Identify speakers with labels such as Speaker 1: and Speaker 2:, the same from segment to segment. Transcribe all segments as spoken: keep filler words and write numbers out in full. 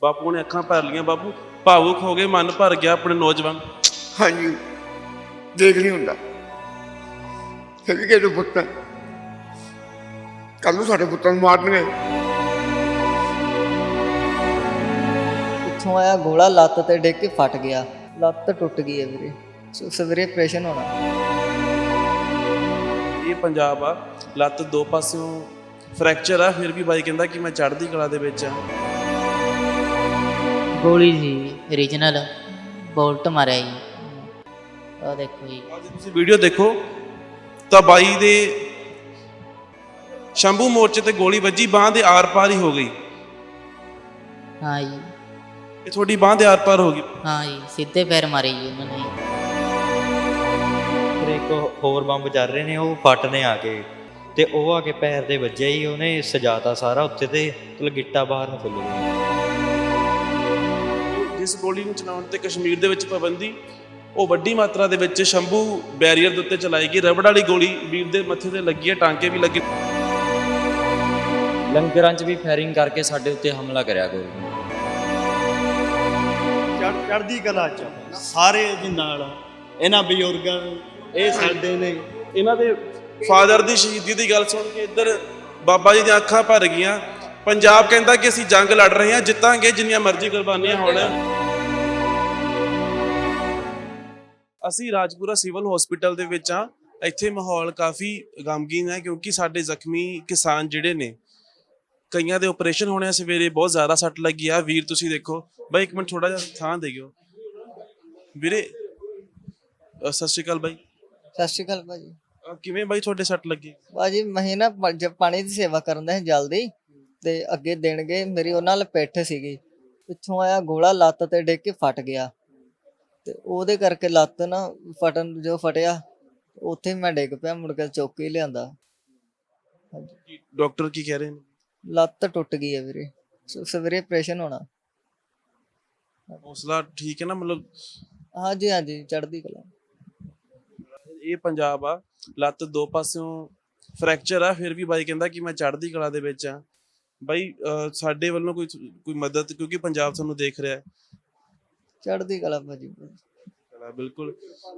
Speaker 1: ਬਾਪੂ ਨੇ ਅੱਖਾਂ ਭਰ ਲੀਆਂ। ਬਾਪੂ ਭਾਵੁਕ ਹੋ ਗਏ, ਮਨ ਭਰ ਗਿਆ ਆਪਣੇ ਨੌਜਵਾਨ।
Speaker 2: ਹਾਂਜੀ ਦੇਖ ਨਹੀਂ ਹੁੰਦਾ ਸਭੀ ਕੇ ਪੁੱਤ ਕੱਲ ਨੂੰ ਸਾਡੇ ਪੁੱਤਾਂ ਨੂੰ ਮਾਰਨਗੇ।
Speaker 3: ਪਿੱਛੋਂ ਆਇਆ ਗੋਲਾ, ਲੱਤ ਤੇ ਡਿੱਗ ਕੇ ਫਟ ਗਿਆ, ਲੱਤ ਟੁੱਟ ਗਈ ਹੈ ਵੀਰੇ। ਸੋ ਸਵੇਰੇ ਆਪਰੇਸ਼ਨ ਹੋਣਾ।
Speaker 1: ਇਹ ਪੰਜਾਬ ਆ, ਲੱਤ ਦੋ ਪਾਸਿਓਂ ਫ੍ਰੈਕਚਰ ਆ, ਫਿਰ ਵੀ ਬਾਈ ਕਹਿੰਦਾ ਕਿ ਮੈਂ ਚੜ੍ਹਦੀ ਕਲਾ ਦੇ ਵਿੱਚ ਆ।
Speaker 4: ਗੋਲੀ ਜੀ ਓਰੀਜਨਲ ਬੋਲਟ ਮਾਰਿਆ ਜੀ। ਆ ਦੇਖੋ ਜੀ,
Speaker 1: ਅੱਜ ਤੁਸੀਂ ਵੀਡੀਓ ਦੇਖੋ ਤਾਂ ਬਾਈ ਦੇ ਸ਼ੰਭੂ ਮੋਰਚੇ ਤੇ ਗੋਲੀ ਵੱਜੀ, ਬਾਂਹ ਦੇ ਆਰ ਪਾਰ ਹੀ ਹੋ ਗਈ।
Speaker 4: ਹਾਂ ਜੀ,
Speaker 1: ਇਹ ਤੁਹਾਡੀ ਬਾਂਹ ਦੇ ਆਰ ਪਾਰ ਹੋ ਗਈ।
Speaker 4: ਹਾਂ ਜੀ, ਸਿੱਧੇ ਪੈਰ ਮਾਰੇ ਜੀ ਉਹਨਾਂ ਨੇ।
Speaker 5: ਫਿਰ ਇੱਕ ਹੋਰ ਬੰਬ ਚੱਲ ਰਹੇ ਨੇ, ਉਹ ਫਟ ਨੇ ਆ ਕੇ ਤੇ ਉਹ ਆ ਕੇ ਪੈਰ ਦੇ ਵੱਜਿਆ ਹੀ, ਉਹਨੇ ਸਜਾਤਾ ਸਾਰਾ ਉੱਥੇ ਤੇ ਗਿੱਟਾ ਬਾਹਰ ਨੂੰ ਫੁੱਲ ਗਿਆ।
Speaker 1: ਜਿਸ ਗੋਲੀ ਨੂੰ ਚਲਾਉਣ ਤੇ ਕਸ਼ਮੀਰ ਦੇ ਵਿੱਚ ਪਾਬੰਦੀ, ਉਹ ਵੱਡੀ ਮਾਤਰਾ ਦੇ ਵਿੱਚ ਸ਼ੰਭੂ ਬੈਰੀਅਰ ਦੇ ਉੱਤੇ ਚਲਾਈ ਗਈ। ਰਬੜ ਵਾਲੀ ਗੋਲੀ ਵੀਰ ਦੇ ਮੱਥੇ ਤੇ ਲੱਗੀ ਹੈ, ਟਾਂਕੇ ਵੀ ਲੱਗੇ।
Speaker 6: ਲੰਗਰਾਂ 'ਚ ਵੀ ਫਾਇਰਿੰਗ ਕਰਕੇ ਸਾਡੇ ਉੱਤੇ ਹਮਲਾ ਕਰਿਆ ਗੋਰੀ ਨੇ।
Speaker 7: ਚੜ੍ਹਦੀ ਕਲਾ ਚ ਸਾਰੇ ਦੇ ਨਾਲ ਇਹਨਾਂ ਬਜ਼ੁਰਗਾਂ ਨੂੰ, ਇਹ ਸਾਡੇ ਨੇ।
Speaker 1: ਇਹਨਾਂ ਦੇ ਫਾਦਰ ਦੀ ਸ਼ਹੀਦੀ ਦੀ ਗੱਲ ਸੁਣ ਕੇ ਇੱਧਰ ਬਾਬਾ ਜੀ ਦੀਆਂ ਅੱਖਾਂ ਭਰ ਗਈਆਂ। ਪੰਜਾਬ ਕਹਿੰਦਾ ਕਿ ਅਸੀਂ ਜੰਗ ਲੜ ਰਹੇ ਹਾਂ, ਜਿੱਤਾਂਗੇ ਜਿੰਨੀਆਂ ਮਰਜ਼ੀ ਕੁਰਬਾਨੀਆਂ ਹੋਣ। ਅਸੀਂ ਰਾਜਪੁਰਾ ਸਿਵਲ ਹਸਪੀਟਲ ਦੇ ਵਿੱਚ ਆ। ਇੱਥੇ ਮਾਹੌਲ ਕਾਫੀ ਗਮਗੀਨ ਹੈ, ਕਿਉਂਕਿ ਸਾਡੇ ਜ਼ਖਮੀ ਕਿਸਾਨ ਜਿਹੜੇ ਨੇ, ਕਈਆਂ ਦੇ ਆਪਰੇਸ਼ਨ ਹੋਣੇ ਆ। ਸਵੇਰੇ ਬਹੁਤ ਜ਼ਿਆਦਾ ਸੱਟ ਲੱਗੀ ਆ। ਵੀਰ ਤੁਸੀਂ ਦੇਖੋ ਬਾਈ, ਇੱਕ ਮਿੰਟ ਥੋੜਾ ਜਿਹਾ ਥਾਂ ਦੇ ਗਿਓ ਵੀਰੇ। ਸਤਿ ਸ਼੍ਰੀ ਅਕਾਲ ਬਾਈ।
Speaker 3: ਸਤਿ ਸ਼੍ਰੀ ਅਕਾਲ ਭਾਜੀ।
Speaker 1: ਅਹ ਕਿਵੇਂ ਬਾਈ ਤੁਹਾਡੇ ਸੱਟ ਲੱਗੀ?
Speaker 3: ਭਾਜੀ ਮੈਂ ਨਾ ਪ- ਜ- ਪਾਣੀ ਦੀ ਸੇਵਾ ਕਰਨ ਦਾ ਸੀ ਜਲਦੀ, ਤੇ ਅੱਗੇ ਦੇਣਗੇ ਮੇਰੀ ਉਹਨਾਂ ਨਾਲ ਪਿੱਠ ਸੀਗੀ। ਪਿੱਛੋਂ ਆਇਆ ਗੋਲਾ, ਲੱਤ ਤੇ ਡਿੱਗ ਕੇ ਫਟ ਗਿਆ, ਤੇ ਉਹਦੇ ਕਰਕੇ ਲੱਤ ਨਾ ਫਟਣ ਜੋ ਫਟਿਆ, ਉੱਥੇ ਮੈਂ ਡਿੱਗ ਪਿਆ। ਮੁੜ ਕੇ ਚੁੱਕ ਕੇ ਲਿਆਂਦਾ।
Speaker 1: ਡਾਕਟਰ ਕੀ ਕਹਿ ਰਹੇ ਨੇ?
Speaker 3: ਲੱਤ ਟੁੱਟ ਗਈ ਹੈ ਵੀਰੇ। ਸੋ ਸਵੇਰੇ ਆਪਰੇਸ਼ਨ ਹੋਣਾ।
Speaker 1: ਹੌਸਲਾ ਠੀਕ ਹੈ ਨਾ? ਮਤਲਬ
Speaker 3: ਹਾਂਜੀ ਹਾਂਜੀ, ਚੜ੍ਹਦੀ ਕਲਾ।
Speaker 1: ਇਹ ਪੰਜਾਬ ਆ, ਲੱਤ ਦੋ ਪਾਸਿਓਂ ਫ੍ਰੈਕਚਰ ਆ, ਫਿਰ ਵੀ ਬਾਈ ਕਹਿੰਦਾ ਕਿ ਮੈਂ ਚੜ੍ਹਦੀ ਕਲਾ ਦੇ ਵਿੱਚ ਆ। ਬਾਈ ਅਹ ਸਾਡੇ ਵੱਲੋਂ ਕੋਈ ਕੋਈ ਮਦਦ, ਕਿਉਂਕਿ ਪੰਜਾਬ ਤੁਹਾਨੂੰ ਦੇਖ ਰਿਹਾ ਹੈ।
Speaker 3: ਚੜ੍ਹਦੀ ਕਲਾ ਭਾਜੀ।
Speaker 1: ਚਲਾ ਬਿਲਕੁਲ।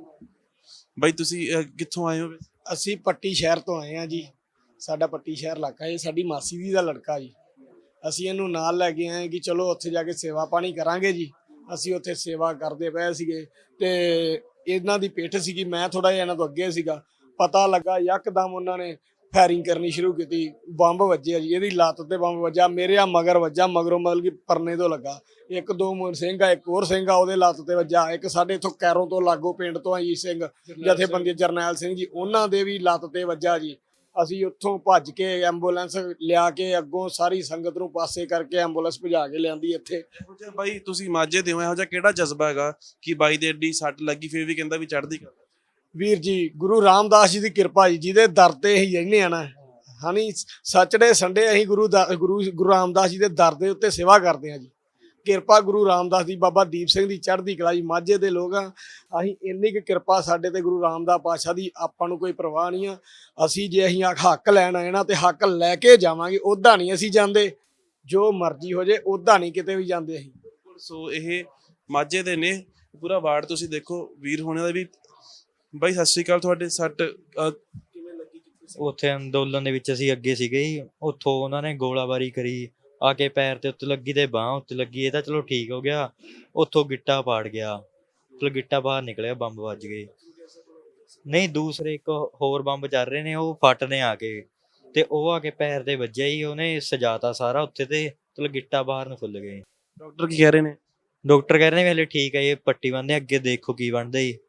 Speaker 1: ਬਾਈ ਤੁਸੀਂ ਅਹ ਕਿੱਥੋਂ ਆਏ ਹੋ?
Speaker 7: ਅਸੀਂ ਪੱਟੀ ਸ਼ਹਿਰ ਤੋਂ ਆਏ ਆ ਜੀ। ਸਾਡਾ ਪੱਟੀ ਸ਼ਹਿਰ ਇਲਾਕਾ, ਇਹ ਸਾਡੀ ਮਾਸੀ ਦੀ ਦਾ ਲੜਕਾ ਜੀ। ਅਸੀਂ ਇਹਨੂੰ ਨਾਲ ਲੈ ਕੇ ਆਏ ਕਿ ਚਲੋ ਉੱਥੇ ਜਾ ਕੇ ਸੇਵਾ ਪਾਣੀ ਕਰਾਂਗੇ ਜੀ। ਅਸੀਂ ਉੱਥੇ ਸੇਵਾ ਕਰਦੇ ਪਏ ਸੀਗੇ ਤੇ ਇਹਨਾਂ ਦੀ ਪਿੱਠ ਸੀਗੀ, ਮੈਂ ਥੋੜਾ ਜਿਹਾ ਇਹਨਾਂ ਤੋਂ ਅੱਗੇ ਸੀਗਾ। ਪਤਾ ਲੱਗਾ ਯਕਦਮ ਉਹਨਾਂ ਨੇ ਫਾਇਰਿੰਗ ਕਰਨੀ ਸ਼ੁਰੂ ਕੀਤੀ। ਬੰਬ ਵੱਜਿਆ ਜੀ, ਇਹਦੀ ਲੱਤ ਤੇ ਬੰਬ ਵੱਜਾ, ਮੇਰੇ ਆ ਮਗਰ ਵੱਜਾ, ਮਗਰੋਂ ਮਤਲਬ ਕਿ ਪਰਨੇ ਤੋਂ ਲੱਗਾ। ਇੱਕ ਦੋ ਮੋਰ ਸਿੰਘ ਆ, ਇੱਕ ਹੋਰ ਸਿੰਘ ਆ, ਉਹਦੇ ਲੱਤ ਤੇ ਵੱਜਾ। ਇੱਕ ਸਾਡੇ ਇੱਥੋਂ ਕੈਰੋਂ ਤੋਂ ਲਾਗੋ ਪਿੰਡ ਤੋਂ ਆ ਜੀ ਸਿੰਘ ਜਥੇਬੰਦੀ ਜਰਨੈਲ ਸਿੰਘ ਜੀ, ਉਹਨਾਂ ਦੇ ਵੀ ਲੱਤ ਤੇ ਵੱਜਾ ਜੀ। ਅਸੀਂ ਉੱਥੋਂ ਭੱਜ ਕੇ ਐਂਬੂਲੈਂਸ ਲਿਆ ਕੇ ਅੱਗੋਂ ਸਾਰੀ ਸੰਗਤ ਨੂੰ ਪਾਸੇ ਕਰਕੇ ਐਂਬੂਲੈਂਸ ਭਜਾ ਕੇ ਲਿਆਂਦੀ ਇੱਥੇ।
Speaker 1: ਇਹੋ ਜਿਹਾ ਬਾਈ ਤੁਸੀਂ ਮਾਝੇ ਦੇ ਹੋ, ਇਹੋ ਜਿਹਾ ਕਿਹੜਾ ਜਜ਼ਬਾ ਹੈਗਾ ਕਿ ਬਾਈ ਦੇ ਐਡੀ ਸੱਟ ਲੱਗੀ ਫਿਰ ਵੀ ਕਹਿੰਦਾ ਵੀ ਚੜ੍ਹਦੀ ਕਲਾ?
Speaker 7: ਵੀਰ ਜੀ ਗੁਰੂ ਰਾਮਦਾਸ ਜੀ ਦੀ ਕਿਰਪਾ ਜੀ, ਜਿਹਦੇ ਦਰ ਤੇ ਅਸੀਂ ਰਹਿੰਦੇ ਆ ਨਾ। ਹਾਨੀ ਸੱਚੜੇ ਸੰਡੇ ਅਸੀਂ ਗੁਰੂ ਦਾ ਗੁਰੂ ਗੁਰੂ ਰਾਮਦਾਸ ਜੀ ਦੇ ਦਰ ਦੇ ਉੱਤੇ ਸੇਵਾ ਕਰਦੇ ਆ ਜੀ। ਕਿਰਪਾ ਗੁਰੂ ਰਾਮਦਾਸ ਦੀ, ਬਾਬਾ ਦੀਪ ਸਿੰਘ ਦੀ ਚੜ੍ਹਦੀ ਕਲਾ ਜੀ। ਮਾਝੇ ਦੇ ਲੋਕ ਆ ਅਸੀਂ, ਇੰਨੀ ਕੁ ਕਿਰਪਾ ਸਾਡੇ ਤੇ ਗੁਰੂ ਰਾਮਦਾਸ ਪਾਤਸ਼ਾਹ ਦੀ, ਆਪਾਂ ਨੂੰ ਕੋਈ ਪਰਵਾਹ ਨਹੀਂ ਆ। ਅਸੀਂ ਜੇ ਅਸੀਂ ਹੱਕ ਲੈਣ ਆਏ ਨਾ ਤੇ ਹੱਕ ਲੈ ਕੇ ਜਾਵਾਂਗੇ। ਉੱਦਾਂ ਨਹੀਂ ਅਸੀਂ ਜਾਂਦੇ, ਜੋ ਮਰਜ਼ੀ ਹੋ ਜੇ ਉੱਦਾਂ ਨਹੀਂ ਕਿਤੇ ਵੀ ਜਾਂਦੇ ਅਸੀਂ।
Speaker 1: ਸੋ ਇਹ ਮਾਝੇ ਦੇ ਨੇ, ਪੂਰਾ ਵਾਰਡ ਤੁਸੀਂ ਦੇਖੋ। ਵੀਰ ਹੋਣੇ ਦਾ ਵੀ। ਬਾਈ ਸਤਿ ਸ਼੍ਰੀ ਅਕਾਲ। ਤੁਹਾਡੇ ਸੱਟ ਕਿਵੇਂ ਲੱਗੀ?
Speaker 5: ਉੱਥੇ ਅੰਦੋਲਨ ਦੇ ਵਿੱਚ ਅਸੀਂ ਅੱਗੇ ਸੀਗੇ ਜੀ, ਉੱਥੋਂ ਉਹਨਾਂ ਨੇ ਗੋਲਾਬਾਰੀ ਕਰੀ ਆ ਕੇ ਪੈਰ ਤੇ ਉੱਤੇ ਲੱਗੀ ਤੇ ਬਾਂਹ ਉੱਤੇ ਲੱਗੀ। ਇਹ ਤਾਂ ਚਲੋ ਠੀਕ ਹੋ ਗਿਆ, ਉੱਥੋਂ ਗਿੱਟਾ ਪਾੜ ਗਿਆ, ਚਲੋ ਗਿੱਟਾ ਬਾਹਰ ਨਿਕਲਿਆ, ਬੰਬ ਵੱਜ ਗਏ। ਨਹੀਂ, ਦੂਸਰੇ ਇੱਕ ਹੋਰ ਬੰਬ ਚੱਲ ਰਹੇ ਨੇ, ਉਹ ਫਟ ਨੇ ਆ ਕੇ ਤੇ ਉਹ ਆ ਕੇ ਪੈਰ ਦੇ ਵੱਜਿਆ ਹੀ, ਉਹਨੇ ਸਜਾਤਾ ਸਾਰਾ ਉੱਥੇ ਤੇ ਚਲੋ ਗਿੱਟਾ ਬਾਹਰ ਨੂੰ ਫੁੱਲ ਗਏ।
Speaker 1: ਡਾਕਟਰ ਕੀ ਕਹਿ ਰਹੇ ਨੇ?
Speaker 5: ਡਾਕਟਰ ਕਹਿ ਰਹੇ ਨੇ ਹਲੇ ਠੀਕ ਹੈ, ਇਹ ਪੱਟੀ ਬੰਨ੍ਹਦੇ, ਅੱਗੇ ਦੇਖੋ ਕੀ ਬਣਦਾ ਜੀ।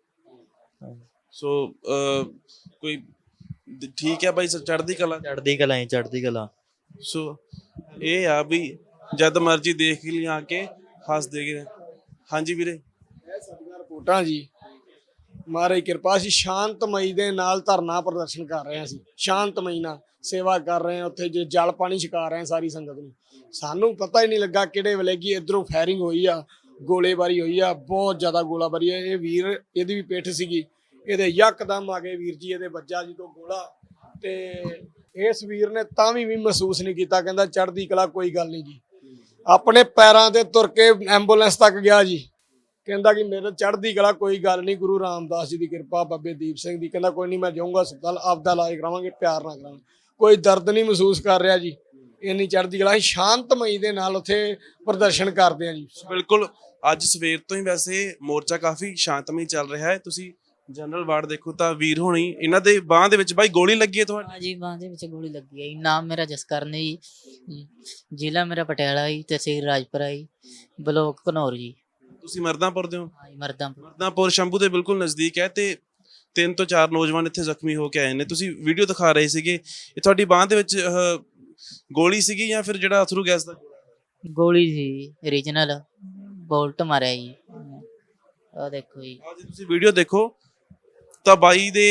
Speaker 1: ਸੋ ਅਹ ਕੋਈ ਠੀਕ ਹੈ ਬਾਈ, ਚੜ੍ਹਦੀ ਕਲਾ?
Speaker 5: ਚੜ੍ਹਦੀ ਕਲਾ ਹੀ, ਚੜ੍ਹਦੀ ਕਲਾ।
Speaker 1: ਸੋ ਇਹ ਆ ਵੀ ਜਦ ਮਰਜੀ ਦੇਖ ਲਈ ਆ ਕੇ ਹੱਸਦੇ ਗਏ। ਹਾਂਜੀ ਵੀਰੇ।
Speaker 7: ਇਹ ਸਾਡੀਆਂ ਰਿਪੋਰਟਾਂ ਜੀ, ਮਹਾਰਾਜ ਕਿਰਪਾ ਸੀ। ਸ਼ਾਂਤਮਈ ਦੇ ਨਾਲ ਧਰਨਾ ਪ੍ਰਦਰਸ਼ਨ ਕਰ ਰਹੇ ਹਾਂ ਅਸੀਂ, ਸ਼ਾਂਤਮਈ ਨਾਲ ਸੇਵਾ ਕਰ ਰਹੇ ਹਾਂ। ਉੱਥੇ ਜੇ ਜਲ ਪਾਣੀ ਛਕਾ ਰਹੇ ਹਾਂ ਸਾਰੀ ਸੰਗਤ ਨੂੰ। ਸਾਨੂੰ ਪਤਾ ਹੀ ਨਹੀਂ ਲੱਗਾ ਕਿਹੜੇ ਵੇਲੇ ਕਿ ਇੱਧਰੋਂ ਫਾਇਰਿੰਗ ਹੋਈ ਆ, ਗੋਲੇਬਾਰੀ ਹੋਈ ਆ, ਬਹੁਤ ਜ਼ਿਆਦਾ ਗੋਲਾਬਾਰੀ ਹੈ। ਇਹ ਵੀਰ, ਇਹਦੀ ਵੀ ਪਿੱਠ ਸੀਗੀ, ਇਹਦੇ ਯਕਦਮ ਆ ਗਏ ਵੀਰ ਜੀ, ਇਹਦੇ ਵੱਜਾ ਜਦੋਂ ਗੋਲਾ, ਤੇ ਇਸ ਵੀਰ ਨੇ ਤਾਂ ਵੀ ਵੀ ਮਹਿਸੂਸ ਨਹੀਂ ਕੀਤਾ, ਕਹਿੰਦਾ ਚੜ੍ਹਦੀ ਕਲਾ, ਕੋਈ ਗੱਲ ਨਹੀਂ ਜੀ। ਆਪਣੇ ਪੈਰਾਂ ਤੇ ਤੁਰ ਕੇ ਐਂਬੂਲੈਂਸ ਤੱਕ ਗਿਆ ਜੀ। ਕਹਿੰਦਾ ਕਿ ਮੇਰੇ ਚੜ੍ਹਦੀ ਕਲਾ, ਕੋਈ ਗੱਲ ਨਹੀਂ, ਗੁਰੂ ਰਾਮਦਾਸ ਜੀ ਦੀ ਕਿਰਪਾ, ਬਾਬੇ ਦੀਪ ਸਿੰਘ ਦੀ। ਕਹਿੰਦਾ ਕੋਈ ਨਹੀਂ, ਮੈਂ ਜਾਊਂਗਾ ਹਸਪਤਾਲ, ਆਪਦਾ ਇਲਾਜ ਕਰਾਵਾਂਗੇ, ਪਿਆਰ ਨਾਲ ਕਰਾਵਾਂਗੇ। ਕੋਈ ਦਰਦ ਨਹੀਂ ਮਹਿਸੂਸ ਕਰ ਰਿਹਾ ਜੀ। ਇੰਨੀ ਚੜ੍ਹਦੀ ਕਲਾ, ਅਸੀਂ ਸ਼ਾਂਤਮਈ ਦੇ ਨਾਲ ਉੱਥੇ ਪ੍ਰਦਰਸ਼ਨ ਕਰਦੇ ਆ ਜੀ।
Speaker 1: ਬਿਲਕੁਲ ਅੱਜ ਸਵੇਰ ਤੋਂ ਹੀ ਵੈਸੇ ਮੋਰਚਾ ਕਾਫੀ ਸ਼ਾਂਤਮਈ ਚੱਲ ਰਿਹਾ ਹੈ। ਤੁਸੀਂ ਜਨਰਲ ਵਾਰਡ ਦੇਖੋ ਤਾਂ ਵੀਰ ਹੋਣੀ, ਇਹਨਾਂ ਦੇ ਬਾਹ ਦੇ ਵਿੱਚ ਬਾਈ ਗੋਲੀ ਲੱਗੀ ਹੈ ਤੁਹਾਡੀ।
Speaker 4: ਹਾਂਜੀ ਬਾਂਹ ਦੇ ਵਿੱਚ ਗੋਲੀ ਲੱਗੀ ਹੈ ਜੀ। ਨਾਮ ਮੇਰਾ ਜਸਕਰਨ ਹੈ ਜੀ, ਜ਼ਿਲ੍ਹਾ ਮੇਰਾ ਪਟਿਆਲਾ ਜੀ, ਤਹਿਸੀਲ ਰਾਜਪੁਰਾ ਜੀ, ਬਲੋਕ ਘਨੌਰ ਜੀ।
Speaker 1: ਤੁਸੀਂ ਮਰਦਾਂਪੁਰ ਦੇ ਹੋ।
Speaker 4: ਹਾਂਜੀ ਮਰਦਾਂਪੁਰ।
Speaker 1: ਮਰਦਾਂਪੁਰ ਸ਼ੰਭੂ ਦੇ ਬਿਲਕੁਲ ਨਜ਼ਦੀਕ ਹੈ ਤੇ ਤਿੰਨ ਤੋਂ ਚਾਰ ਨੌਜਵਾਨ ਇੱਥੇ ਜ਼ਖਮੀ ਹੋ ਕੇ ਆਏ ਨੇ। ਤੁਸੀਂ ਵੀਡੀਓ ਦਿਖਾ ਰਹੇ ਸੀਗੇ, ਇਹ ਤੁਹਾਡੀ ਬਾਹ ਦੇ ਵਿੱਚ ਅਹ, ਗੋਲੀ ਸੀਗੀ ਜਾਂ ਫਿਰ ਜਿਹੜਾ ਅਥਰੂ ਗੈਸ ਦਾ?
Speaker 4: ਗੋਲੀ ਸੀ ਰੀਜਨਲ, ਬੋਲਟ ਮਾਰਿਆ ਜੀ। ਆਹ ਦੇਖੋ ਜੀ।
Speaker 1: ਆਹ ਜੇ ਤੁਸੀਂ ਵੀਡੀਓ ਦੇਖੋ ਤਾਂ ਬਾਈ ਦੇ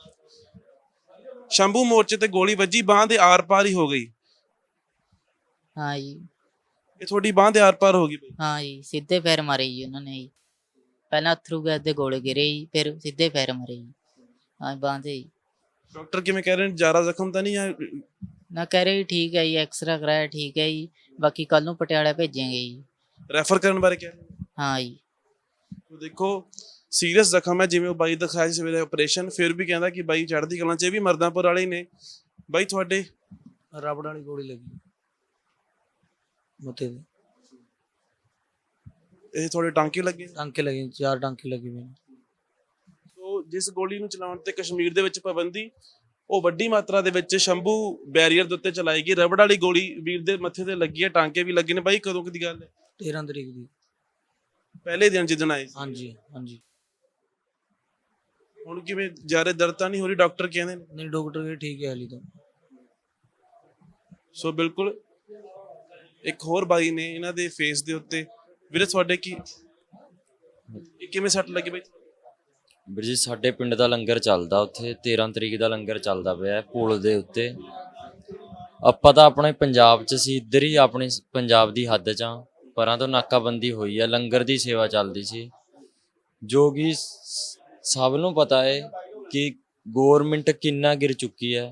Speaker 1: ਸ਼ੰਭੂ ਮੋਰਚੇ ਤੇ ਗੋਲੀ ਵੱਜੀ, ਬਾਹ ਦੇ ਆਰ ਪਾਰ ਹੀ ਹੋ ਗਈ।
Speaker 4: ਹਾਂ ਜੀ।
Speaker 1: ਇਹ ਤੁਹਾਡੀ ਬਾਹ ਦੇ ਆਰ ਪਾਰ ਹੋ ਗਈ ਬਾਈ।
Speaker 4: ਹਾਂ ਜੀ, ਸਿੱਧੇ ਪੈਰ ਮਾਰੇ ਜੀ ਉਹਨਾਂ ਨੇ ਜੀ। ਪਹਿਲਾਂ ਅਥਰੂ ਗੈਸ ਦੇ ਗੋਲੇ ਗਿਰੇ ਜੀ, ਫਿਰ ਸਿੱਧੇ ਪੈਰ ਮਾਰੇ ਜੀ। ਹਾਂ ਬਾਂਹ ਤੇ ਜੀ।
Speaker 1: ਡਾਕਟਰ ਕਿਵੇਂ ਕਹਿ ਰਹੇ ਨੇ, ਜ਼ਿਆਦਾ ਜ਼ਖਮ ਤਾਂ ਨਹੀਂ ਆ?
Speaker 4: ਨਾ ਕਹਿ ਰਹੇ ਜੀ ਠੀਕ ਹੈ ਜੀ, ਐਕਸਰਾ ਕਰਾਇਆ ਠੀਕ ਹੈ ਜੀ, ਬਾਕੀ ਕੱਲ ਨੂੰ ਪਟਿਆਲਾ ਭੇਜਾਂਗੇ ਜੀ।
Speaker 1: ਰੈਫਰ ਕਰਨ ਬਾਰੇ ਕਹਿ ਰਹੇ ਨੇ?
Speaker 4: ਹਾਂ ਜੀ।
Speaker 1: ਦੇਖੋ ਸੀਰੀਅਸ ਜ਼ਖਮ ਹੈ, ਜਿਵੇਂ ਉਹ ਬਾਈ ਦਿਖਾਇਆ ਸੀ ਸਵੇਰੇ ਆਪਰੇਸ਼ਨ, ਫਿਰ ਵੀ ਕਹਿੰਦਾ ਕਿ ਬਾਈ ਚੜ੍ਹਦੀ ਕਲਾਂ 'ਚ। ਇਹ ਵੀ ਮਰਦਾਂਪੁਰ ਵਾਲੇ ਹੀ ਨੇ। ਬਾਈ ਤੁਹਾਡੇ
Speaker 8: ਰਬੜ ਵਾਲੀ ਗੋਲੀ ਲੱਗੀ ਮੱਥੇ ਤੇ,
Speaker 1: ਇਹ ਤੁਹਾਡੇ ਟਾਂਕੇ ਲੱਗੇ?
Speaker 8: ਟਾਂਕੇ ਲੱਗੇ, ਚਾਰ ਟਾਂਕੇ ਲੱਗੇ ਮੈਨੂੰ।
Speaker 1: ਸੋ ਜਿਸ ਗੋਲੀ ਨੂੰ ਚਲਾਉਣ ਤੇ ਕਸ਼ਮੀਰ ਦੇ ਵਿੱਚ ਪਾਬੰਦੀ, ਉਹ ਵੱਡੀ ਮਾਤਰਾ ਦੇ ਵਿੱਚ ਸ਼ੰਭੂ ਬੈਰੀਅਰ ਦੇ ਉੱਤੇ ਚਲਾਈ ਗਈ। ਰਬੜ ਵਾਲੀ ਗੋਲੀ ਵੀਰ ਦੇ ਮੱਥੇ ਤੇ ਲੱਗੀ ਹੈ, ਟਾਂਕੇ ਵੀ ਲੱਗੇ ਨੇ। ਬਾਈ ਕਦੋਂ ਦੀ ਗੱਲ ਹੈ?
Speaker 8: ਤੇਰਾਂ ਤਰੀਕ ਦੀ।
Speaker 1: ਪਹਿਲੇ ਦਿਨ ਜਿੱਦਣ ਆਏ ਸੀ।
Speaker 8: ਹਾਂਜੀ ਹਾਂਜੀ।
Speaker 1: ਹੁਣ ਕਿਵੇਂ, ਜ਼ਿਆਦਾ ਦਰਦ ਤਾਂ ਨਹੀਂ ਹੋ ਰਹੀ? ਡਾਕਟਰ ਕਹਿੰਦੇ ਨੇ।
Speaker 8: ਨਹੀਂ ਡਾਕਟਰ ਕਹਿੰਦੇ ਠੀਕ ਹੈ ਹਾਲੀ ਤਾਂ।
Speaker 1: ਸੋ ਬਿਲਕੁਲ ਇੱਕ ਹੋਰ ਬਾਈ ਨੇ, ਇਹਨਾਂ ਦੇ ਫੇਸ ਦੇ ਉੱਤੇ। ਵੀਰੇ ਤੁਹਾਡੇ ਕੀ, ਇਹ ਕਿਵੇਂ ਸੱਟ ਲੱਗੀ ਬਾਈ?
Speaker 6: ਵੀਰ ਜੀ ਸਾਡੇ ਪਿੰਡ ਦਾ ਲੰਗਰ ਚੱਲਦਾ, ਉੱਥੇ ਤੇਰਾਂ ਤਰੀਕ ਦਾ ਲੰਗਰ ਚੱਲਦਾ ਪਿਆ ਪੁਲ ਦੇ ਉੱਤੇ। ਆਪਾਂ ਤਾਂ ਆਪਣੇ ਪੰਜਾਬ 'ਚ ਸੀ, ਇੱਧਰ ਹੀ ਆਪਣੀ ਪੰਜਾਬ ਦੀ ਹੱਦ 'ਚ ਆ, ਪਰਾਂ ਤੋਂ ਨਾਕਾਬੰਦੀ ਹੋਈ ਆ, ਲੰਗਰ ਦੀ ਸੇਵਾ ਚੱਲਦੀ ਸੀ। ਜੋ ਕਿ ਸਭ ਨੂੰ ਪਤਾ ਹੈ ਕਿ ਗੌਰਮਿੰਟ ਕਿੰਨਾ ਗਿਰ ਚੁੱਕੀ ਹੈ।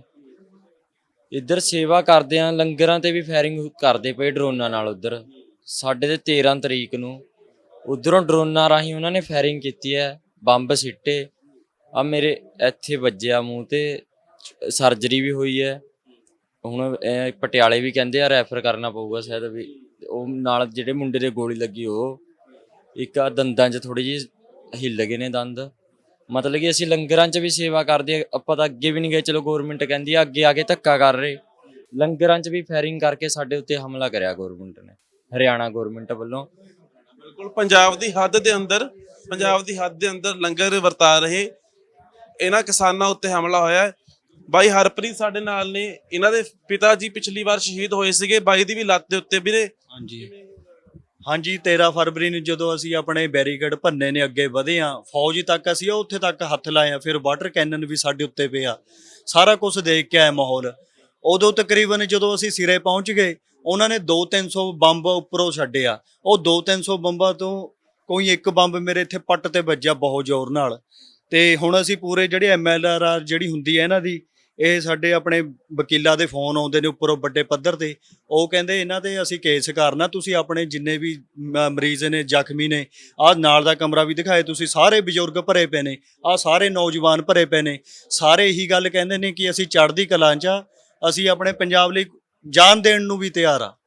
Speaker 6: ਇੱਧਰ ਸੇਵਾ ਕਰਦੇ ਆ, ਲੰਗਰਾਂ ਤੇ ਵੀ ਫਾਇਰਿੰਗ ਕਰਦੇ ਪਏ ਡਰੋਨਾਂ ਨਾਲ। ਉੱਧਰ ਸਾਡੇ ਤੇ ਤੇਰਾਂ ਤਰੀਕ ਨੂੰ ਉੱਧਰੋਂ ਡਰੋਨਾਂ ਰਾਹੀਂ ਉਹਨਾਂ ਨੇ ਫਾਇਰਿੰਗ ਕੀਤੀ ਹੈ, ਬੰਬ ਸਿੱਟੇ। ਆ ਮੇਰੇ ਇੱਥੇ ਵੱਜਿਆ ਮੂੰਹ ਤੇ, ਸਰਜਰੀ ਵੀ ਹੋਈ ਹੈ। ਹੁਣ ਇਹ ਪਟਿਆਲੇ ਵੀ ਕਹਿੰਦੇ ਆ ਰੈਫਰ ਕਰਨਾ ਪਊਗਾ ਸ਼ਾਇਦ। ਵੀ ਉਹ ਨਾਲ ਜਿਹੜੇ ਮੁੰਡੇ ਦੇ ਗੋਲੀ ਲੱਗੀ, ਉਹ ਇੱਕ ਆ ਦੰਦਾਂ 'ਚ ਥੋੜੀ ਜਿਹੀ ਹਿੱਲ ਗਏ ਨੇ ਦੰਦ। ਮਤਲਬ ਕਿ ਅਸੀਂ ਲੰਗਰਾਂ 'ਚ ਵੀ ਸੇਵਾ ਕਰਦੇ, ਆਪਾਂ ਤਾਂ ਅੱਗੇ ਵੀ ਨਹੀਂ ਗਏ। ਚਲੋ ਗੌਰਮਿੰਟ ਕਹਿੰਦੀ ਆ, ਅੱਗੇ ਆ ਕੇ ਧੱਕਾ ਕਰ ਰਹੇ। ਲੰਗਰਾਂ 'ਚ ਵੀ ਫਾਇਰਿੰਗ ਕਰਕੇ ਸਾਡੇ ਉੱਤੇ ਹਮਲਾ ਕਰਿਆ ਗੌਰਮਿੰਟ ਨੇ, ਹਰਿਆਣਾ ਗੌਰਮਿੰਟ ਵੱਲੋਂ।
Speaker 1: ਬਿਲਕੁਲ ਪੰਜਾਬ ਦੀ ਹੱਦ ਦੇ ਅੰਦਰ, ਪੰਜਾਬ ਦੀ ਹੱਦ ਦੇ ਅੰਦਰ ਲੰਗਰ ਵਰਤਾ ਰਹੇ ਇਹਨਾਂ ਕਿਸਾਨਾਂ ਉੱਤੇ ਹਮਲਾ ਹੋਇਆ ਹੈ। ਬਾਈ ਹਰਪ੍ਰੀਤ ਸਾਡੇ ਨਾਲ ਨੇ, ਇਹਨਾਂ ਦੇ ਪਿਤਾ ਜੀ ਪਿਛਲੀ ਵਾਰ ਸ਼ਹੀਦ ਹੋਏ ਸੀਗੇ। ਬਾਈ ਦੀ ਵੀ ਲੱਤ ਦੇ ਉੱਤੇ ਵੀਰੇ।
Speaker 9: ਹਾਂਜੀ ਹਾਂਜੀ ਤੇਰਾਂ ਫਰਵਰੀ ਨੂੰ ਜਦੋਂ ਅਸੀਂ ਆਪਣੇ ਬੈਰੀਕੇਡ ਭੰਨੇ ਨੇ, ਅੱਗੇ ਵਧੇ ਆ, ਫੌਜ ਤੱਕ ਅਸੀਂ ਉੱਥੇ ਤੱਕ ਹੱਥ ਲਾਏ ਆ। ਫਿਰ ਵਾਟਰ ਕੈਨਨ ਵੀ ਸਾਡੇ ਉੱਤੇ ਪਿਆ, ਸਾਰਾ ਕੁਝ ਦੇਖ ਕੇ ਆਇਆ ਮਾਹੌਲ। ਉਦੋਂ ਤਕਰੀਬਨ ਜਦੋਂ ਅਸੀਂ ਸਿਰੇ ਪਹੁੰਚ ਗਏ, ਉਹਨਾਂ ਨੇ ਦੋ ਤਿੰਨ ਸੌ ਬੰਬ ਉੱਪਰੋਂ ਛੱਡਿਆ। ਉਹ ਦੋ ਤਿੰਨ ਸੌ ਬੰਬਾਂ ਤੋਂ ਕੋਈ ਇੱਕ ਬੰਬ ਮੇਰੇ ਇੱਥੇ ਪੱਟ ਤੇ ਵੱਜਿਆ ਬਹੁਤ ਜ਼ੋਰ ਨਾਲ। ਤੇ ਹੁਣ ਅਸੀਂ ਪੂਰੇ ਜਿਹੜੇ ਐਮ ਐਲ ਆਰ ਜਿਹੜੀ ਹੁੰਦੀ ਹੈ ਇਹਨਾਂ ਦੀ, ਇਹ ਸਾਡੇ ਆਪਣੇ ਵਕੀਲਾਂ ਦੇ ਫੋਨ ਆਉਂਦੇ ਨੇ ਉੱਪਰੋਂ ਵੱਡੇ ਪੱਧਰ ਤੇ। ਉਹ ਕਹਿੰਦੇ ਇਹਨਾਂ ਤੇ ਅਸੀਂ ਕੇਸ ਕਰਨਾ, ਤੁਸੀਂ ਆਪਣੇ ਜਿੰਨੇ ਵੀ ਮ- ਮਰੀਜ਼ ਨੇ, ਜ਼ਖਮੀ ਨੇ, ਆਹ ਨਾਲ ਦਾ ਕਮਰਾ ਵੀ ਦਿਖਾਏ ਤੁਸੀਂ, ਸਾਰੇ ਬਜ਼ੁਰਗ ਭਰੇ ਪਏ ਨੇ, ਆਹ ਸਾਰੇ ਨੌਜਵਾਨ ਭਰੇ ਪਏ ਨੇ। ਸਾਰੇ ਇਹੀ ਗੱਲ ਕਹਿੰਦੇ ਨੇ ਕਿ ਅਸੀਂ ਚੜ੍ਹਦੀ ਕਲਾਂ 'ਚ ਆ, ਅਸੀਂ ਆਪਣੇ ਪੰਜਾਬ ਲਈ ਜਾਨ ਦੇਣ ਨੂੰ ਵੀ ਤਿਆਰ ਆ,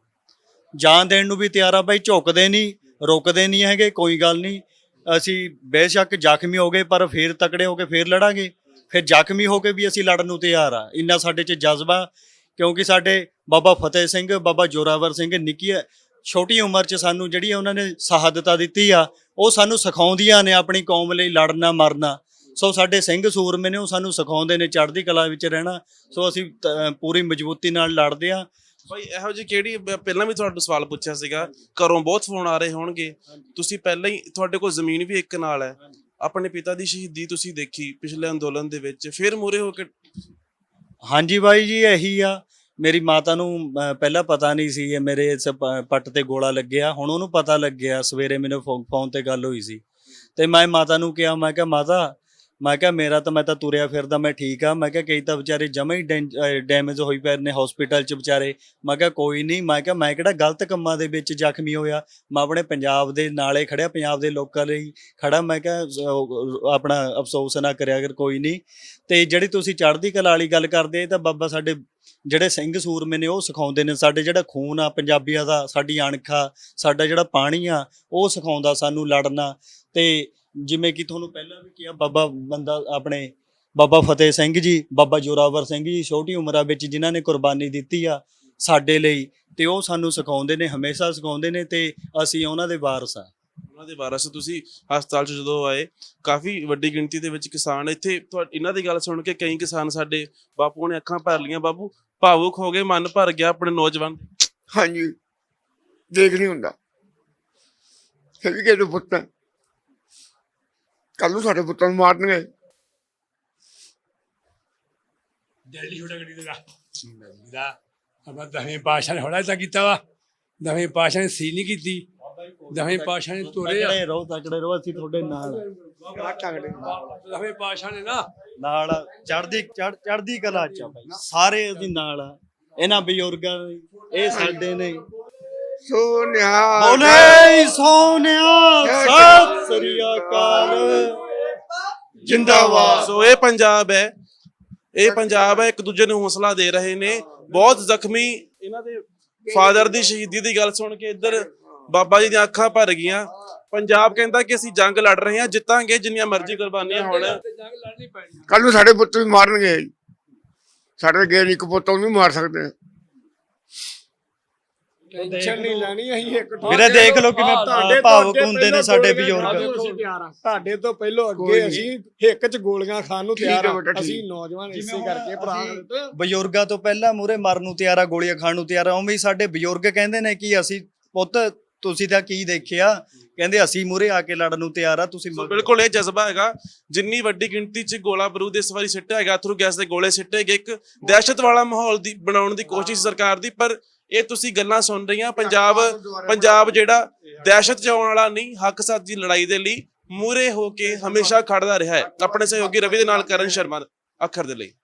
Speaker 9: ਜਾਨ ਦੇਣ ਨੂੰ ਵੀ ਤਿਆਰ ਆ ਬਾਈ। ਝੁਕਦੇ ਨਹੀਂ, ਰੁਕਦੇ ਨਹੀਂ ਹੈਗੇ, ਕੋਈ ਗੱਲ ਨਹੀਂ। ਅਸੀਂ ਬੇਸ਼ੱਕ ਜ਼ਖਮੀ ਹੋ ਗਏ, ਪਰ ਫੇਰ ਤਕੜੇ ਹੋ ਕੇ ਫੇਰ ਲੜਾਂਗੇ। ਫਿਰ ਜ਼ਖਮੀ ਹੋ ਕੇ ਵੀ ਅਸੀਂ ਲੜਨ ਨੂੰ ਤਿਆਰ ਆ। ਇੰਨਾ ਸਾਡੇ 'ਚ ਜਜ਼ਬਾ, ਕਿਉਂਕਿ ਸਾਡੇ ਬਾਬਾ ਫਤਿਹ ਸਿੰਘ, ਬਾਬਾ ਜੋਰਾਵਰ ਸਿੰਘ ਨਿੱਕੀ ਛੋਟੀ ਉਮਰ 'ਚ ਸਾਨੂੰ ਜਿਹੜੀ ਉਹਨਾਂ ਨੇ ਸ਼ਹਾਦਤਾਂ ਦਿੱਤੀ ਆ, ਉਹ ਸਾਨੂੰ ਸਿਖਾਉਂਦੀਆਂ ਨੇ ਆਪਣੀ ਕੌਮ ਲਈ ਲੜਨਾ ਮਰਨਾ। ਸੋ ਸਾਡੇ ਸਿੰਘ ਸੂਰਮੇ ਨੇ, ਉਹ ਸਾਨੂੰ ਸਿਖਾਉਂਦੇ ਨੇ ਚੜ੍ਹਦੀ ਕਲਾ ਵਿੱਚ ਰਹਿਣਾ। ਸੋ ਅਸੀਂ ਤ- ਪੂਰੀ ਮਜ਼ਬੂਤੀ ਨਾਲ ਲੜਦੇ ਆ।
Speaker 1: ਬਾਈ ਇਹੋ ਜਿਹੀ ਕਿਹੜੀ, ਬ- ਪਹਿਲਾਂ ਵੀ ਤੁਹਾਨੂੰ ਸਵਾਲ ਪੁੱਛਿਆ ਸੀਗਾ, ਘਰੋਂ ਬਹੁਤ ਫੋਨ ਆ ਰਹੇ ਹੋਣਗੇ, ਤੁਸੀਂ ਪਹਿਲਾਂ ਹੀ, ਤੁਹਾਡੇ ਕੋਲ ਜ਼ਮੀਨ ਵੀ ਇੱਕ ਨਾਲ ਹੈ, ਆਪਣੇ ਪਿਤਾ ਦੀ ਸ਼ਹੀਦੀ ਤੁਸੀਂ ਦੇਖੀ ਪਿਛਲੇ ਅੰਦੋਲਨ ਦੇ ਵਿੱਚ, ਫਿਰ ਮੂਹਰੇ ਹੋ ਕੇ।
Speaker 9: ਹਾਂਜੀ ਬਾਈ ਜੀ, ਇਹੀ ਆ। ਮੇਰੀ ਮਾਤਾ ਨੂੰ ਅਹ, ਪਹਿਲਾਂ ਪਤਾ ਨਹੀਂ ਸੀ ਇਹ ਮੇਰੇ ਇਸ ਪ- ਪੱਟ ਤੇ ਗੋਲਾ ਲੱਗਿਆ। ਹੁਣ ਉਹਨੂੰ ਪਤਾ ਲੱਗਿਆ, ਸਵੇਰੇ ਮੈਨੂੰ ਫੋ- ਫੋਨ ਤੇ ਗੱਲ ਹੋਈ ਸੀ। ਤੇ ਮੈਂ ਮਾਤਾ ਨੂੰ ਕਿਹਾ, ਮੈਂ ਕਿਹਾ ਮਾਤਾ, ਮੈਂ ਕਿਹਾ ਮੇਰਾ ਤਾਂ ਮੈਂ ਤਾਂ ਤੁਰਿਆ ਫਿਰਦਾ ਮੈਂ ਠੀਕ ਆ। ਮੈਂ ਕਿਹਾ ਕਈ ਤਾਂ ਵਿਚਾਰੇ ਜਮਾ ਹੀ ਡੈਮੇਜ ਹੋਈ ਪਏ ਨੇ ਹਸਪੀਟਲ 'ਚ ਵਿਚਾਰੇ। ਮੈਂ ਕਿਹਾ ਕੋਈ ਨਹੀਂ, ਮੈਂ ਕਿਹਾ ਮੈਂ ਕਿਹੜਾ ਗਲਤ ਕੰਮਾਂ ਦੇ ਵਿੱਚ ਜ਼ਖਮੀ ਹੋਇਆ, ਮੈਂ ਆਪਣੇ ਪੰਜਾਬ ਦੇ ਨਾਲੇ ਖੜਿਆ, ਪੰਜਾਬ ਦੇ ਲੋਕਾਂ ਲਈ ਖੜਾ। ਮੈਂ ਕਿਹਾ ਅਹ ਆਪਣਾ ਅਫਸੋਸ ਨਾ ਕਰਿਆ ਕਰ, ਕੋਈ ਨਹੀਂ। ਤੇ ਜਿਹੜੀ ਤੁਸੀਂ ਚੜ੍ਹਦੀ ਕਲਾ ਵਾਲੀ ਗੱਲ ਕਰਦੇ, ਇਹ ਤਾਂ ਬਾਬਾ ਸਾਡੇ ਜਿਹੜੇ ਸਿੰਘ ਸੂਰਮੇ ਨੇ ਉਹ ਸਿਖਾਉਂਦੇ ਨੇ। ਸਾਡੇ ਜਿਹੜਾ ਖੂਨ ਆ ਪੰਜਾਬੀਆਂ ਦਾ, ਸਾਡੀ ਅਣਖ ਆ, ਸਾਡਾ ਜਿਹੜਾ ਪਾਣੀ ਆ, ਉਹ ਸਿਖਾਉਂਦਾ ਸਾਨੂੰ ਲੜਨਾ। ਤੇ ਜਿਵੇਂ ਕਿ ਤੁਹਾਨੂੰ ਪਹਿਲਾਂ ਵੀ ਕਿਹਾ, ਬਾਬਾ ਬੰਦਾ ਆਪਣੇ ਬਾਬਾ ਫਤਿਹ ਸਿੰਘ ਜੀ, ਬਾਬਾ ਜੋਰਾਵਰ ਸਿੰਘ ਜੀ ਛੋਟੀ ਉਮਰਾਂ ਵਿੱਚ ਜਿਨ੍ਹਾਂ ਨੇ ਕੁਰਬਾਨੀ ਦਿੱਤੀ ਆ ਸਾਡੇ ਲਈ, ਤੇ ਉਹ ਸਾਨੂੰ ਸਿਖਾਉਂਦੇ ਨੇ, ਹਮੇਸ਼ਾ ਸਿਖਾਉਂਦੇ ਨੇ, ਤੇ ਅਸੀਂ ਉਹਨਾਂ ਦੇ ਵਾਰਸ ਆ।
Speaker 1: ਉਹਨਾਂ ਦੇ ਵਾਰਸ ਤੁਸੀਂ ਹਸਪਤਾਲ 'ਚ ਜਦੋਂ ਆਏ, ਕਾਫੀ ਵੱਡੀ ਗਿਣਤੀ ਦੇ ਵਿੱਚ ਕਿਸਾਨ ਇੱਥੇ ਤੁਹਾ- ਇਹਨਾਂ ਦੀ ਗੱਲ ਸੁਣ ਕੇ ਕਈ ਕਿਸਾਨ ਸਾਡੇ ਬਾਪੂ ਨੇ ਅੱਖਾਂ ਭਰ ਲੀਆਂ। ਬਾਪੂ ਭਾਵੁਕ ਹੋ ਗਏ, ਮਨ ਭਰ ਗਿਆ ਆਪਣੇ ਨੌਜਵਾਨ।
Speaker 2: ਹਾਂਜੀ, ਦੇਖ ਨਹੀਂ ਹੁੰਦਾ। ਫਿਰ ਵੀ ਕਿਹੜੇ ਪੁੱਤ ਕੱਲ ਨੂੰ ਸਾਡੇ ਪੁੱਤਾਂ ਨੂੰ ਮਾਰਨਗੇ।
Speaker 10: ਦਿੱਲੀ ਛੋਟਾ ਗੱਡੀ ਦਾ ਦਾ ਆਪਾਂ ਦਸਵੇਂ ਪਾਤਸ਼ਾਹ ਨੇ ਹੌਲਾ ਤਾਂ ਕੀਤਾ ਵਾ, ਦਸਵੇਂ ਪਾਤਸ਼ਾਹ ਨੇ ਸੀ ਨਹੀਂ ਕੀਤੀ, ਦਸਵੇਂ ਪਾਤਸ਼ਾਹ ਨੇ ਤੋਰੇ ਆ।
Speaker 9: ਤਕੜੇ ਰਹੋ, ਤਕੜੇ ਰਹੋ, ਅਸੀਂ ਤੁਹਾਡੇ ਨਾਲ
Speaker 10: ਦਸਵੇਂ ਪਾਤਸ਼ਾਹ ਨੇ ਨਾ
Speaker 9: ਨਾਲ ਚੜ੍ਹਦੀ ਚੜ੍ਹ ਚੜ੍ਹਦੀ ਕਲਾ ਚ ਆ ਬਾਈ, ਸਾਰੇ ਅਸੀਂ ਨਾਲ ਆ ਇਹਨਾਂ ਬਜ਼ੁਰਗਾਂ ਦੇ, ਇਹ ਸਾਡੇ ਨੇ।
Speaker 2: ਸੋਨਿਆ
Speaker 9: ਬੋਲੇ ਸੋਨਿਆ ਸਤਿ ਸ੍ਰੀ ਅਕਾਲ
Speaker 2: ਜਿੰਦਾਬਾਦ।
Speaker 1: ਸੋ ਇਹ ਪੰਜਾਬ ਹੈ, ਇਹ ਪੰਜਾਬ ਹੈ, ਇੱਕ ਦੂਜੇ ਨੂੰ ਹੌਸਲਾ ਦੇ ਰਹੇ ਨੇ। ਬਹੁਤ ਜ਼ਖਮੀ ਇਹਨਾਂ ਦੇ ਫਾਦਰ ਦੀ ਸ਼ਹੀਦੀ ਦੀ ਗੱਲ ਸੁਣ ਕੇ ਇੱਧਰ ਬਾਬਾ ਜੀ ਦੀਆਂ ਅੱਖਾਂ ਭਰ ਗਈਆਂ। ਪੰਜਾਬ ਕਹਿੰਦਾ ਕਿ ਅਸੀਂ ਜੰਗ ਲੜ ਰਹੇ ਹਾਂ, ਜਿੱਤਾਂਗੇ ਜਿੰਨੀਆਂ ਮਰਜ਼ੀ ਕੁਰਬਾਨੀਆਂ ਹੋਣ।
Speaker 2: ਕੱਲ ਨੂੰ ਸਾਡੇ ਪੁੱਤ ਵੀ ਮਾਰਨਗੇ। ਸਾਡੇ ਗੈਰ ਇੱਕ ਪੁੱਤ ਉਹਨੂੰ ਵੀ ਮਾਰ ਸਕਦੇ ਆ।
Speaker 7: ਟੈਨਸ਼ਨ ਨਹੀਂ ਲੈਣੀ, ਅਸੀਂ ਇੱਕ
Speaker 9: ਵੀਰੇ ਦੇਖ ਲਓ ਕਿਵੇਂ
Speaker 7: ਤੁਹਾਡੇ ਤੋਂ
Speaker 9: ਭਾਵੁਕ
Speaker 7: ਅੱਗੇ
Speaker 9: ਹੁੰਦੇ ਨੇ
Speaker 7: ਪਹਿਲਾਂ
Speaker 9: ਸਾਡੇ
Speaker 7: ਗੋਲੀਆਂ
Speaker 9: ਬਜ਼ੁਰਗ।
Speaker 7: ਖਾਣ ਨੂੰ ਅਸੀਂ ਤਿਆਰ ਹਾਂ। ਤੁਹਾਡੇ ਤੋਂ ਪਹਿਲਾਂ
Speaker 2: ਕੋਈ
Speaker 7: ਅੱਗੇ
Speaker 2: ਨਹੀਂ।
Speaker 7: ਅਸੀਂ ਹਿੱਕ 'ਚ ਗੋਲੀਆਂ ਖਾਣ ਨੂੰ
Speaker 2: ਠੀਕ
Speaker 7: ਤਿਆਰ
Speaker 2: ਹੈ
Speaker 7: ਹਾਂ।
Speaker 2: ਬੇਟਾ, ਠੀਕ।
Speaker 7: ਅਸੀਂ ਨੌਜਵਾਨ ਇਸੇ ਕਰਕੇ ਭਰਾ ਦਿੱਤੇ।
Speaker 9: ਬਜ਼ੁਰਗਾਂ ਤੋਂ ਪਹਿਲਾਂ ਮੂਰੇ ਮਰਨ ਨੂੰ ਤਿਆਰ ਆ, ਗੋਲੀਆਂ ਖਾਣ ਨੂੰ ਤਿਆਰ ਆ। ਉਵੇਂ ਹੀ ਸਾਡੇ ਬਜ਼ੁਰਗ ਕਹਿੰਦੇ ਨੇ ਕਿ ਅਸੀਂ ਪੁੱਤ ਤੁਸੀਂ ਤਾਂ ਕੀ ਦੇਖਿਆ, ਕਹਿੰਦੇ ਅਸੀਂ ਮੂਰੇ ਆ ਕੇ ਲੜਨ ਨੂੰ ਤਿਆਰ ਆ, ਤੁਸੀਂ
Speaker 1: ਸੋ ਬਿਲਕੁਲ ਇਹ ਜਜ਼ਬਾ ਹੈਗਾ। ਜਿੰਨੀ ਵੱਡੀ ਗਿਣਤੀ 'ਚ ਗੋਲਾ ਬਰੂਦ ਇਸ ਵਾਰੀ ਸਿੱਟਿਆ ਹੈਗਾ, ਅਥਰੂ ਗੈਸ ਦੇ ਗੋਲੇ ਸਿੱਟੇ ਗਏ, ਇੱਕ ਦਹਿਸ਼ਤ ਵਾਲਾ ਮਾਹੌਲ ਦੀ ਬਣਾਉਣ ਦੀ ਕੋਸ਼ਿਸ਼ ਸਰਕਾਰ ਦੀ। ਪਰ ਇਹ ਤੁਸੀਂ ਗੱਲਾਂ ਸੁਣ ਰਹੀਆਂ, ਪੰਜਾਬ ਪੰਜਾਬ ਜਿਹੜਾ ਦਹਿਸ਼ਤ 'ਚ ਆਉਣ ਵਾਲਾ ਨਹੀਂ, ਹੱਕ ਸੱਚ ਦੀ ਲੜਾਈ ਦੇ ਲਈ ਮੂਹਰੇ ਹੋ ਕੇ ਹਮੇਸ਼ਾ ਖੜਦਾ ਰਿਹਾ ਹੈ। ਆਪਣੇ ਸਹਿਯੋਗੀ ਰਵੀ ਦੇ ਨਾਲ ਕਰਨ ਸ਼ਰਮਾ ਅੱਖਰ ਦੇ ਲਈ।